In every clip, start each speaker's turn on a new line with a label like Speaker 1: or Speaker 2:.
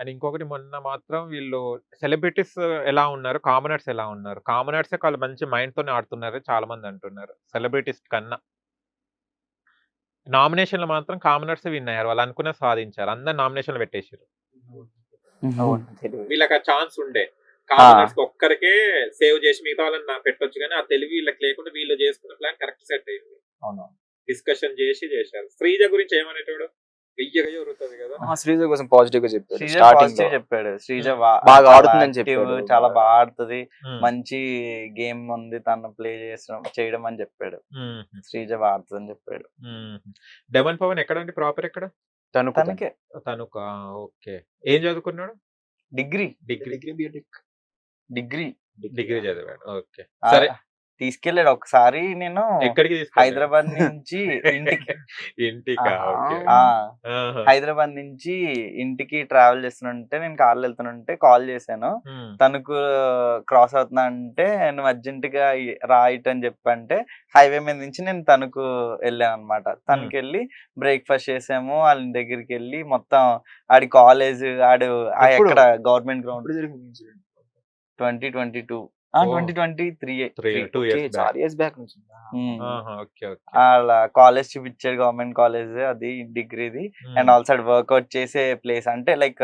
Speaker 1: And ఇంకొకటి మొన్న మాత్రం వీళ్ళు సెలబ్రిటీస్ ఎలా ఉన్నారు? కామనర్స్ ఎలా ఉన్నారు? కామనర్సే చాలా మంచి మైండ్‌తోనే ఆడుతున్నారు చాలా మంది అంటున్నారు. సెలబ్రిటీస్ కన్నా. నామినేషన్‌లో మాత్రం కామనర్సే విన్ అయ్యారు. వాళ్ళు అనుకున్నది సాధించారు. అందరు నామినేషన్‌లు పెట్టేసిర్రు.
Speaker 2: అవును. తెలివి.
Speaker 1: వీళ్ళకి ఆ ఛాన్స్ ఉండే.
Speaker 2: ఆ!
Speaker 1: కామనర్స్ ఒక్కరికే సేవ్ చేసి మిగతా వాళ్ళని పెట్టొచ్చు గానీ, ఆ తెలివి వీళ్ళకి లేకుండా వీళ్ళు చేసుకున్న ప్లాన్ కరెక్ట్ సెట్ అయింది.
Speaker 2: అవును.
Speaker 1: డిస్కషన్ చేశారు. శ్రీజ గురించి ఏమనేటోడు? గయ్య ఉరుతది కదా!
Speaker 3: శ్రీజ కోసం పాజిటివ్ గా చెప్పాడు
Speaker 2: శ్రీజ
Speaker 3: స్టార్టింగ్ లో.
Speaker 2: పాజిటివ్ చెప్పాడు. శ్రీజ
Speaker 1: హ్మ్.
Speaker 3: బాగా
Speaker 2: చాలా
Speaker 3: ఆడుతుందని
Speaker 2: యాక్టివ్,
Speaker 3: చెప్పాడు.
Speaker 2: చాలా బాగా ఆడుతది.
Speaker 1: హ్మ్.
Speaker 2: మంచి గేమ్ ఉంది. తను ప్లే చేయడం అని చెప్పాడు.
Speaker 1: హుహు.
Speaker 2: శ్రీజ బాగా ఆడుతదని చెప్పాడు.
Speaker 1: హుహు. 'డెమన్ పవన్' ఎక్కడండి? ప్రాపర్ ఎక్కడ?
Speaker 2: తనకే
Speaker 1: తణుకా? ఓకే. ఏం చదువుకున్నాడు?
Speaker 2: Degree
Speaker 1: degree.
Speaker 2: డిగ్రీ
Speaker 1: చదివాడు. ఓకే. సరే.
Speaker 2: తీసుకెళ్ళాడు ఒకసారి. నేను
Speaker 1: ఎక్కడికి తీసుకెళ్ళాడు?
Speaker 2: హైదరాబాద్ నుంచి ఇంటికి
Speaker 1: ఇంటికా? ఓకే.
Speaker 2: ఆ
Speaker 1: ఆహా!
Speaker 2: హైదరాబాద్ నుంచి ఇంటికి ట్రావెల్ చేస్తుంటే నేను కార్లో వెళ్తుంటే కాల్ చేశాను.
Speaker 1: హ్మ్.
Speaker 2: తనకు క్రాస్ అవుతున్నా అంటే నువ్వు అర్జెంట్ గా రా ఇటు అని చెప్పంటే హైవే మీద నుంచి నేను తనకు వెళ్ళాను అనమాట. తనకి వెళ్ళి బ్రేక్ఫాస్ట్ చేసాము. వాళ్ళ దగ్గరికి వెళ్ళి మొత్తం ఆడి కాలేజ్ ఆడు
Speaker 3: ఎప్పుడు?
Speaker 2: ఎక్కడ గవర్నమెంట్ గ్రౌండ్
Speaker 3: ఎప్పుడు జరిగింది ఇన్సిడెంట్?
Speaker 2: 2022
Speaker 1: ఓ.
Speaker 2: 2023
Speaker 1: 2 ఇయర్స్ బ్యాక్.
Speaker 3: చాలా ఇయర్స్ బ్యాక్ నుంచి ఉందా?
Speaker 1: ఆహా! ఓకే.
Speaker 2: వాళ్ళ కాలేజ్ చూపించాడు. గవర్నమెంట్ కాలేజ్ అది డిగ్రీది. అండ్ ఆల్సో వర్కౌట్ చేసే ప్లేస్ అంటే లైక్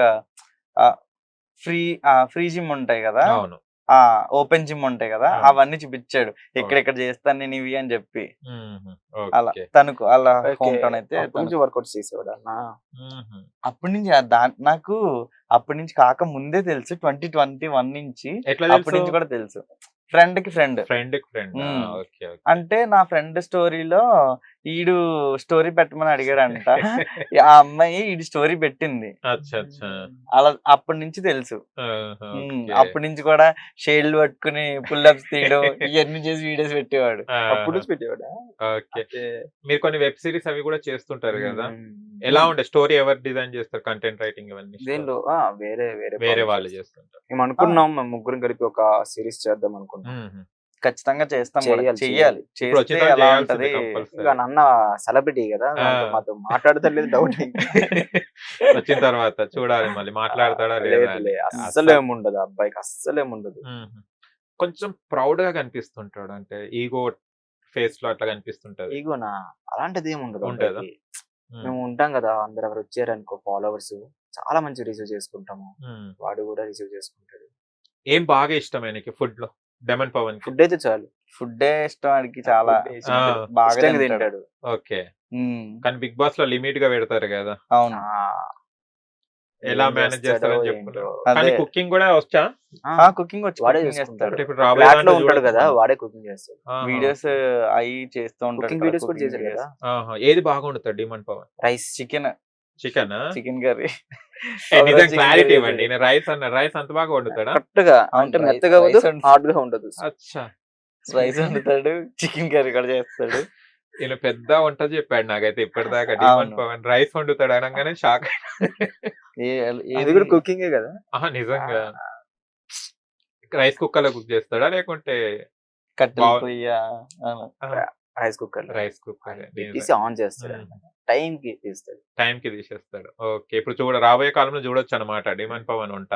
Speaker 2: ఫ్రీ జిమ్ ఉంటాయి కదా,
Speaker 1: అవును.
Speaker 2: ఓపెన్ జిమ్ ఉంటాయి కదా,
Speaker 1: అవును.
Speaker 2: అవన్నీ చూపించాడు. ఎక్కడెక్కడ చేస్తాను నేను ఇవి అని చెప్పి.
Speaker 1: హుహు.
Speaker 2: అలా
Speaker 1: ఓకే.
Speaker 2: తనకు అలా
Speaker 3: ఓకే.
Speaker 2: హోమ్ టౌన్ అయితే
Speaker 3: అప్పటి నుంచి వర్కౌట్ చేసేవాడు అన్న.
Speaker 1: హుహు.
Speaker 2: అప్పటి నుంచి నాకు అప్పటి నుంచి కాక ముందే తెలుసు. 2021 నుంచి
Speaker 1: ఎట్లా
Speaker 2: అప్పటి
Speaker 1: తెలుసు?
Speaker 2: నుంచి కూడా తెలుసు. ఫ్రెండ్‌కి ఫ్రెండ్.
Speaker 1: ఫ్రెండ్‌కి ఫ్రెండ్.
Speaker 2: హ్మ్.
Speaker 1: ఓకే. ఓకే.
Speaker 2: అంటే నా ఫ్రెండ్ స్టోరీలో ఈడు స్టోరీ పెట్టమని అడిగాడంట. ఆ అమ్మాయి ఈడు స్టోరీ పెట్టింది.
Speaker 1: అచ్చా! అచ్చా!
Speaker 2: అలా అప్పటి నుంచి తెలుసు.
Speaker 1: ఆహా! ఓకే.
Speaker 2: అప్పటి నుంచి కూడా షేడ్లు పట్టుకుని పుల్ అప్స్ తీయడం ఇవన్నీ చేసి వీడియోస్ పెట్టేవాడు.
Speaker 3: అప్పుడు
Speaker 1: ఆహా!
Speaker 3: నుంచి పెట్టేవాడా?
Speaker 1: ఓకే.
Speaker 3: అంటే
Speaker 1: మీరు కొన్ని వెబ్ సీరీస్ అవి కూడా చేస్తుంటారు గదా!
Speaker 3: హ్మ్.
Speaker 1: ఎలా ఉండే స్టోరీ ఎవరు డిజైన్ చేస్తారు? కంటెంట్ రైటింగ్ ఇవన్నీ?
Speaker 3: దేనిలో వేరే వేరే
Speaker 1: వేరే
Speaker 3: ప్రాజెక్ట్స్
Speaker 1: వాళ్ళు
Speaker 3: చేస్తాం.
Speaker 1: చేస్తుంటారు.
Speaker 3: మేము అనుకున్నాం మేము ముగ్గురం కలిపి ఒక సిరీస్ చేద్దాం అనుకున్నాం.
Speaker 1: హుహు.
Speaker 2: ఖచ్చితంగా చేస్తాం కూడా.
Speaker 3: చేయాలి.
Speaker 2: చెయ్యాలి.
Speaker 1: ఇప్పుడు
Speaker 2: చేస్తే
Speaker 1: వచ్చిన
Speaker 2: ఎలా
Speaker 1: చేయాల్సిందే
Speaker 2: ఉంటది.
Speaker 1: కంపల్సరీ.
Speaker 3: ఇక నన్న సెలబ్రిటీ కదా, దాంతో మాతో మాట్లాడతలేదు డౌట్.
Speaker 1: వచ్చిన తర్వాత చూడాలి మళ్ళీ మాట్లాడతాడా లేదా
Speaker 3: లేదు
Speaker 1: అని.
Speaker 3: అస్సలు ఏముండదు అబ్బాయికి, అస్సలు ఏముండదు.
Speaker 1: హుహు. కొంచెం ప్రౌడ్‌గా కనిపిస్తుంటాడు. అంటే ఈగో ఫేస్‌లో అట్లా కనిపిస్తుంటది.
Speaker 3: ఈగోనా? అలాంటిది ఏముండదు
Speaker 1: ఉంటదా?
Speaker 3: అబ్బాయికి.
Speaker 1: హ్మ్.
Speaker 3: మేము ఉంటాం కదా, అందరు ఎవరు వచ్చారనుకో ఫాలోవర్స్ చాలా మంచి రిసీవ్ చేసుకుంటాము.
Speaker 1: హ్మ్.
Speaker 3: వాడు కూడా రిసీవ్ చేసుకుంటాడు.
Speaker 1: ఏం బాగా ఇష్టం ఆయనకి ఫుడ్‌లో? 'డెమన్ పవన్‌కి'?
Speaker 3: ఫుడ్ అయితే చాలు.
Speaker 2: ఫుడ్డే ఇష్టం ఆడికి చాలా.
Speaker 3: ఫుడ్ ఇష్టం.
Speaker 1: ఆ.
Speaker 2: బాగా
Speaker 3: ఇష్టంగా
Speaker 2: తింటాడు.
Speaker 3: తింటాడు.
Speaker 1: ఓకే.
Speaker 2: హ్మ్.
Speaker 1: కానీ 'బిగ్ బాస్‌లో' లిమిట్‌గా పెడతారు గదా!
Speaker 2: అవును.
Speaker 3: ఆ,
Speaker 1: ఎలా
Speaker 3: ఏం
Speaker 1: మేనేజ్
Speaker 3: చేస్తాడో
Speaker 1: చేస్తారని
Speaker 3: ఏంటో.
Speaker 1: చెప్పుకున్నారు. కానీ
Speaker 2: అదే.
Speaker 1: కుకింగ్ కూడా వచ్చా?
Speaker 2: కుకింగ్ వచ్చి
Speaker 3: వాడే
Speaker 2: కుకింగ్
Speaker 3: చేసుకుంటాడు.
Speaker 2: చేస్తాడు.
Speaker 1: ఇప్పుడు రాబోయే
Speaker 3: ఫ్లాట్ లో
Speaker 1: దాంట్లో
Speaker 3: ఉంటాడు
Speaker 1: చూడొచ్చు
Speaker 3: కదా,
Speaker 1: మనం.
Speaker 3: వాడే కుకింగ్ చేస్తాడు.
Speaker 1: ఆహా!
Speaker 2: Videos
Speaker 1: okay.
Speaker 2: అవి చేస్తూ ఉంటాడు.
Speaker 3: కుకింగ్ వీడియోస్ కూడా చేశాడు కదా.
Speaker 1: ఆహా! ఏది బాగా వండుతాడు 'డెమన్ పవన్'?
Speaker 3: రైస్,
Speaker 2: చికెన్
Speaker 1: చికెనా?
Speaker 2: Chicken curry.
Speaker 1: నిజం క్లారిటీ ఇవ్వండి. రైస్ అంత బాగా వండుతాడా?
Speaker 3: కరెక్ట్ గా
Speaker 2: అవును,
Speaker 3: అంటే
Speaker 2: రైస్-
Speaker 3: మెత్తగా
Speaker 2: రైస్
Speaker 3: ఉండదు, హార్డ్ గా ఉండదు.
Speaker 1: అచ్చా!
Speaker 2: రైస్ వండుతాడు, చికెన్ కర్రీ కూడా చేస్తాడు.
Speaker 1: ఈయన పెద్ద వంట చెప్పాడు నాకైతే ఇప్పటిదాకా 'డెమన్
Speaker 2: అవును.
Speaker 1: పవన్' రైస్ వండుతాడు అనగానే షాక్
Speaker 3: అది
Speaker 2: ఏది
Speaker 3: కూడా కుకింగే కదా.
Speaker 1: ఆహా! నిజంగా. రైస్ కుక్కర్‌లో కుక్ చేస్తాడా? లేకుంటే
Speaker 2: కట్టెల
Speaker 1: బావ్
Speaker 2: పొయ్య.
Speaker 1: ఆహా!
Speaker 3: Rice cooker
Speaker 1: rice cooker.
Speaker 3: పెట్టేసి ఆన్ చేస్తాడు అనమాట. టైం కి తీస్తాడు.
Speaker 1: టైంకి తీసేస్తాడు. ఓకే. ఇప్పుడు రాబోయే కాలంలో చూడొచ్చన్నమాట 'డెమన్ పవన్' వంట.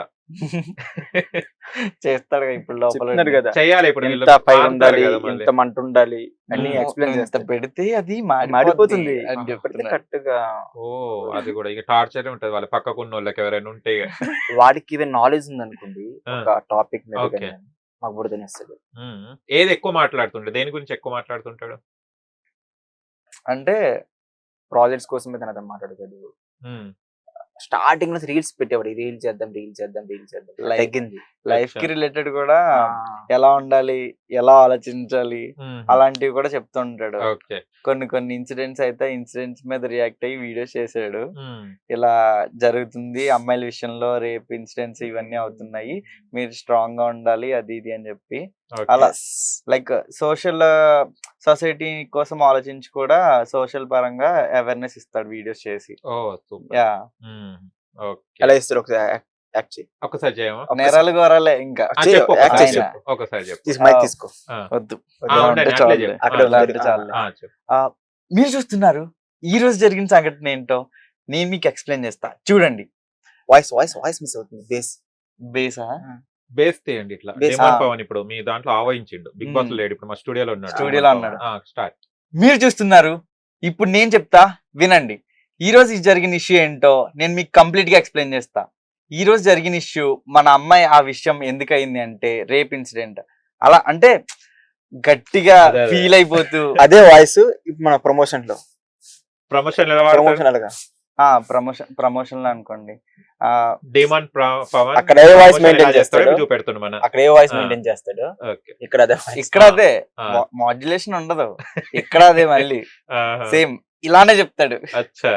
Speaker 2: చేస్తాడు ఇప్పుడు లోపల
Speaker 3: చెప్తున్నారు కదా,
Speaker 1: చెయ్యాలి ఇప్పుడు వీళ్ళు
Speaker 3: ఎంత ఫైర్
Speaker 1: మారుతారు
Speaker 3: ఉండాలి,
Speaker 1: కదా మళ్ళీ.
Speaker 3: ఎంత మంట ఉండాలి అన్ని
Speaker 1: హ్మ్.
Speaker 3: ఎక్స్ప్లెయిన్
Speaker 2: ఇంత
Speaker 3: చేస్తాడు.
Speaker 2: పెడితే అది
Speaker 3: మాడిపోతుంది
Speaker 2: అని
Speaker 3: పెడితే
Speaker 2: చెప్తున్నాడు.
Speaker 3: కరెక్ట్ గా.
Speaker 1: ఓహ్! అది కూడా ఇక టార్చరే ఉంటది వాళ్ళ పక్కకున్నోళ్ళకి ఎవరైనా ఉంటే ఇగ.
Speaker 3: వాడికి ఈవెన్ నాలెడ్జ్ ఉంది
Speaker 1: ఆ!
Speaker 3: ఒక టాపిక్ మీద
Speaker 1: ఓకే.
Speaker 3: కానీ మాకు కూడా తినేస్తాడు.
Speaker 1: ఏది ఎక్కువ మాట్లాడుతుంటాడు? దేని గురించి ఎక్కువ మాట్లాడుతుంటాడు?
Speaker 2: అంటే
Speaker 3: ప్రాజెక్ట్స్ కోసమే తన అతను మాట్లాడతాడు.
Speaker 1: హ్మ్.
Speaker 3: స్టార్టింగ్ లో రీల్స్ పెట్టేవాడు, రీల్ చేద్దాం
Speaker 2: Life.
Speaker 3: తగ్గింది.
Speaker 2: లైఫ్ కి రిలేటెడ్ కూడా
Speaker 3: ఆ,
Speaker 2: ఎలా ఉండాలి, ఎలా ఆలోచించాలి
Speaker 1: హుహు.
Speaker 2: అలాంటివి కూడా చెప్తుంటాడు.
Speaker 1: ఓకే.
Speaker 2: కొన్ని ఇన్సిడెంట్స్ అయితే ఇన్సిడెంట్స్ మీద రియాక్ట్ అయ్యి వీడియోస్ చేశాడు.
Speaker 1: హ్మ్.
Speaker 2: ఇలా జరుగుతుంది అమ్మాయిల విషయంలో, రేప్ ఇన్సిడెంట్స్ ఇవన్నీ అవుతున్నాయి, మీరు స్ట్రాంగ్ గా ఉండాలి అది ఇది అని చెప్పి
Speaker 1: ఓకే.
Speaker 2: అలా లైక్ సొసైటీ కోసం ఆలోచించి కూడా సోషల్ పరంగా అవేర్నెస్ ఇస్తాడు వీడియోస్ చేసి.
Speaker 1: ఓహ్! సూపర్.
Speaker 2: యా
Speaker 1: హ్మ్. ఓకే.
Speaker 3: ఎలా ఇస్తారు ఒకసారి యాక్ట్ చేయి.
Speaker 1: ఒక్కసారి చేయమా?
Speaker 2: నేరాలు గోరాలే ఇంకా
Speaker 3: చెయ్యి,
Speaker 1: చెప్పు
Speaker 3: యాక్ట్
Speaker 1: ఒకసారి
Speaker 3: చేయి,
Speaker 2: ఆయన.
Speaker 1: చెప్పు. ఒకసారి చెప్పు.
Speaker 3: మైక్ తీసుకో.
Speaker 1: ఆ!
Speaker 2: వద్దు
Speaker 1: ఆ! ఉండండి అట్లే చెప్పు.
Speaker 3: అక్కడే
Speaker 2: అలా
Speaker 3: ఉంది.
Speaker 2: అంటే చాలులే.
Speaker 1: చెప్పు.
Speaker 2: మీరు చూస్తున్నారు ఈ రోజు జరిగిన సంఘటన ఏంటో నేను మీకు ఎక్స్ప్లెయిన్ చేస్తా చూడండి.
Speaker 3: వాయిస్ మిస్ అవుతుంది బేస్.
Speaker 2: బేసా
Speaker 1: బేస్ తీయండి ఇట్లా.
Speaker 3: Bass,
Speaker 1: డెమాన్
Speaker 2: ఆ.
Speaker 1: పవన్ ఇప్పుడు మీ దాంట్లో ఆవహించిండు. బిగ్ బాస్ లేడు ఇప్పుడు మా స్టూడియోలో ఉన్నాడు.
Speaker 2: స్టూడియోలో ఉన్నాడు.
Speaker 1: స్టార్ట్.
Speaker 2: మీరు చూస్తున్నారు. ఇప్పుడు నేను చెప్తా వినండి. ఈ రోజు జరిగిన ఇష్యూ ఏంటో నేను మీకు కంప్లీట్ గా ఎక్స్ప్లెయిన్ చేస్తా. ఈ రోజు జరిగిన ఇష్యూ మన అమ్మాయి ఆ విషయం ఎందుకు అయింది అంటే రేప్ ఇన్సిడెంట్. అలా అంటే గట్టిగా
Speaker 1: అదే.
Speaker 2: ఫీల్ అయిపోతూ
Speaker 3: అదే వాయిస్ ఇప్పుడు మన ప్రమోషన్ లో
Speaker 1: ప్రమోషన్ ఎలా వాడతారు?
Speaker 3: ప్రమోషనల్ గా
Speaker 2: ప్రమోషన్ లో అనుకోండి.
Speaker 1: డెమాన్ పవన్
Speaker 3: అక్కడ ఏ వాయిస్
Speaker 1: promotion
Speaker 3: మెయింటైన్
Speaker 1: ఎలా చేస్తాడో
Speaker 3: చేస్తాడు,
Speaker 1: చూపెడుతుండు మన.
Speaker 3: అక్కడ ఏ వాయిస్
Speaker 1: ఆ.
Speaker 3: మెయింటైన్ చేస్తాడు,
Speaker 1: ఓకే.
Speaker 3: ఇక్కడ అదే voice.
Speaker 2: ఇక్కడ అదే
Speaker 1: ఆ.
Speaker 2: మాడ్యులేషన్ ఉండదు. ఇక్కడ అదే మళ్ళీ
Speaker 1: ఆహా.
Speaker 2: సేమ్ ఇలానే చెప్తాడు.
Speaker 1: అచ్చా.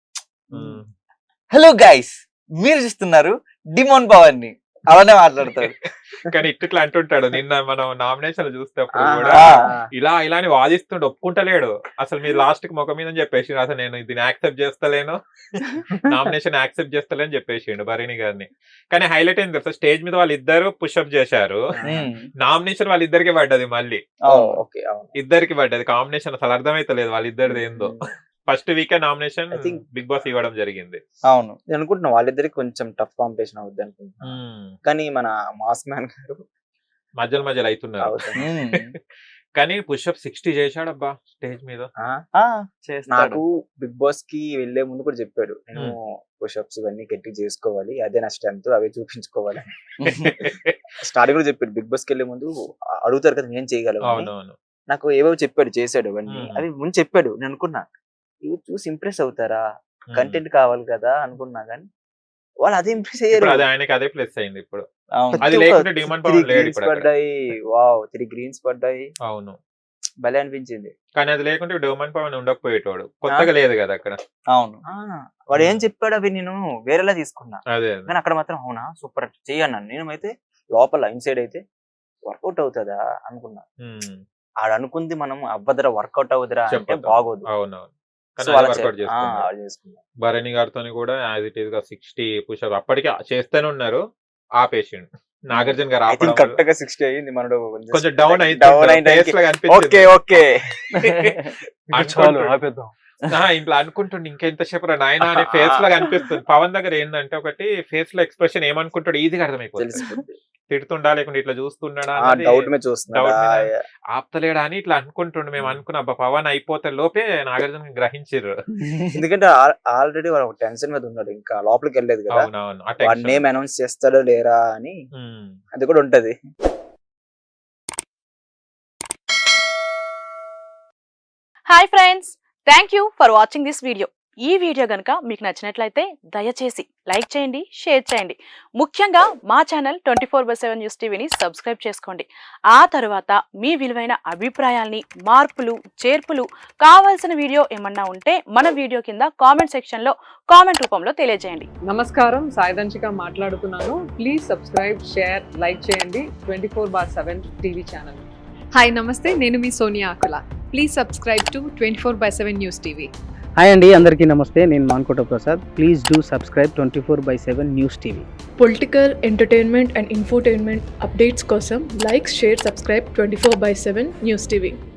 Speaker 2: హలో గైస్, మీరు చూస్తున్నారు డిమోన్ పవన్ ని. అలానే మాట్లాడతాడు.
Speaker 1: కానీ ఇట్లా అంటుంటాడు. నిన్న మనం నామినేషన్ చూస్తే కూడా
Speaker 3: ఆ.
Speaker 1: ఇలా అని వాదిస్తుండే, ఒప్పుకుంటలేడు. అసలు మీరు లాస్ట్ కి ముఖం మీద చెప్పేసి అసలు నేను దీన్ని యాక్సెప్ట్ చేస్తలేను, నామినేషన్ యాక్సెప్ట్ చేస్తలేని చెప్పేసిండు భరణి గారిని. కానీ హైలైట్ ఏంది తెలుసా, స్టేజ్ మీద వాళ్ళిద్దరు పుషప్ చేశారు,
Speaker 2: ఉమ్,
Speaker 1: నామినేషన్ వాళ్ళిద్దరికి పడ్డది. మళ్ళీ
Speaker 2: అవును.
Speaker 3: ఓకే అవును.
Speaker 1: ఇద్దరికి పడ్డది కాంబినేషన్. అసలు అర్థమైతలేదు వాళ్ళిద్దరిది ఏందో. ఫస్ట్ వీకే nomination
Speaker 3: I think-
Speaker 1: Bigg Boss ఇవ్వడం జరిగింది.
Speaker 2: అవును.
Speaker 3: నేను అనుకుంటున్నా వాళ్ళిద్దరికి కొంచెం టఫ్ కాంపిటీషన్ అవుద్ది అనుకుంటున్నా, కానీ మన మాస్ మ్యాన్ గారు
Speaker 1: మధ్యలో అవుతున్నారు.
Speaker 3: అవుతుంది.
Speaker 2: ఉమ్,
Speaker 1: కానీ పుషప్ 60 చేశాడబ్బా స్టేజ్ మీద.
Speaker 2: ఆ, చేస్తాడు.
Speaker 3: నాకు బిగ్ బాస్ కి వెళ్లే ముందు కూడా చెప్పాడు, నేను పుషప్స్ ఇవన్నీ గట్టి చేసుకోవాలి, అదే నా స్ట్రెంత్, అవే చూపించుకోవాలి. స్టార్టింగ్ కూడా చెప్పాడు, బిగ్ బాస్ కి వెళ్లే ముందు అడుగుతారు కదా నేను చేయగలను అని.
Speaker 1: అవునవును.
Speaker 3: నాకు ఏవో చెప్పాడు, చేశాడు అవన్నీ.
Speaker 1: మ్మ్.
Speaker 3: అవి ముందు చెప్పాడు, నేను అనుకున్నా ఇవి చూసి ఇంప్రెస్ అవుతారా, కంటెంట్ కావాలి కదా అనుకున్నా, కానీ వాళ్ళు అదే ఇంప్రెస్ అయ్యారు.
Speaker 1: ఇప్పుడు అది ఆయనకి అదే ప్లస్ అయింది ఇప్పుడు.
Speaker 2: అవును.
Speaker 1: అది లేకుంటే డిమాండ్ పవన్ లేడు ఇప్పుడు అక్కడ.
Speaker 3: పడ్డాయి, వావ్ 3 గ్రీన్స్ పడ్డాయి,
Speaker 1: అవును.
Speaker 3: భలే అనిపించింది.
Speaker 1: కానీ అది లేకుంటే డిమాండ్ పవన్ ఉండకపోయేటోడు. కొత్తగా లేదు కదా అక్కడ.
Speaker 2: అవును.
Speaker 3: వాడు ఏం చెప్పాడు అవి నేను వేరేలా తీసుకున్నా,
Speaker 1: అదే
Speaker 3: కానీ అక్కడ మాత్రం అవునా సూపర్ చెయ్యన్నాను. నేను అయితే లోపల ఇన్సైడ్ అయితే వర్కౌట్ అవుతుందా అనుకున్నా.
Speaker 1: ఉమ్.
Speaker 3: ఆడు అనుకుంది మనం అవ్వదురా, వర్కౌట్ అవుతురా అంటే
Speaker 1: చెప్పొద్దు.
Speaker 3: బాగోదు.
Speaker 1: అవునవును.
Speaker 3: సో
Speaker 1: కానీ
Speaker 3: అలా
Speaker 1: వర్కౌట్ చేసుకున్నాడు.
Speaker 3: చేసుకున్నా.
Speaker 1: భరణి గారితో కూడా యాజ్ ఇట్ ఈస్ గా 60 పుషప్ అప్పటికే చేస్తూనే ఉన్నారు, ఆపేసిండు. నాగార్జున గారు
Speaker 3: ఐ
Speaker 1: ఆపడం
Speaker 3: థింక్
Speaker 1: వల్ల
Speaker 3: కరెక్ట్ గా 60 అయింది, మనడు
Speaker 1: కొంచెం డౌన్
Speaker 3: డౌన్
Speaker 1: అయితే
Speaker 3: అయింది. ఓకే ఓకే
Speaker 2: చాలు ఆపేద్దాం.
Speaker 1: ఇంట్లో అనుకుంటుండే ఇంకెంతసేపు రా నాయన అనే ఫేస్ లాగా అనిపిస్తుంది. పవన్ దగ్గర ఏంటంటే ఒకటి ఫేస్ లో ఎక్స్ప్రెషన్ ఏమనుకుంటాడు ఈజీగా అర్థమైపోతుంది.
Speaker 3: తెలిసిపోతుంది.
Speaker 1: తిడుతుండా లేకుంటే ఇట్లా చూస్తున్నాడా
Speaker 3: ఆ
Speaker 1: అన్నది
Speaker 3: డౌట్ మీద చూస్తున్నా.
Speaker 1: డౌట్ మీద ఆపుతలేడా అని ఇట్లా అనుకుంటుండే. మేము అనుకున్న అబ్బా పవన్ అయిపోతే లోపే నాగార్జున గ్రహించారు.
Speaker 3: ఎందుకంటే ఆల్రెడీ వాడు టెన్షన్ మీద ఉన్నాడు, ఇంకా లోపలికి వెళ్ళలేదు కదా,
Speaker 1: అవునవును. ఆ
Speaker 3: వాడి
Speaker 1: టెన్షన్.
Speaker 3: నేమ్ అనౌన్స్ చేస్తాడో లేరా అని
Speaker 1: ఉమ్.
Speaker 3: అది కూడా ఉంటది.
Speaker 4: Hi friends, thank you for watching this video. ఈ వీడియో గనుక మీకు నచ్చినట్లయితే దయచేసి లైక్ చేయండి, షేర్ చేయండి. ముఖ్యంగా మా ఛానల్ 24/7 న్యూస్ టీవీని సబ్స్క్రైబ్ చేసుకోండి. ఆ తర్వాత మీ విలువైన అభిప్రాయాల్ని, మార్పులు, చేర్పులు, కావాల్సిన వీడియో ఏమన్నా ఉంటే మన వీడియో కింద కామెంట్ సెక్షన్లో కామెంట్ రూపంలో తెలియజేయండి.
Speaker 5: నమస్కారం, సాయిదంచిక మాట్లాడుతున్నాను. ప్లీజ్ సబ్స్క్రైబ్, షేర్, లైక్ చేయండి 24/7 టీవీ ఛానల్.
Speaker 6: హాయ్ నమస్తే, నేను మీ Sonia Akula. Please subscribe to 24/7 news TV.
Speaker 7: Hi అండి, అందరికీ నమస్తే. నేను Mankota Prasad. Please do subscribe 24/7 news TV.
Speaker 8: Political, entertainment and infotainment updates కోసం like, share, subscribe 24/7 news TV.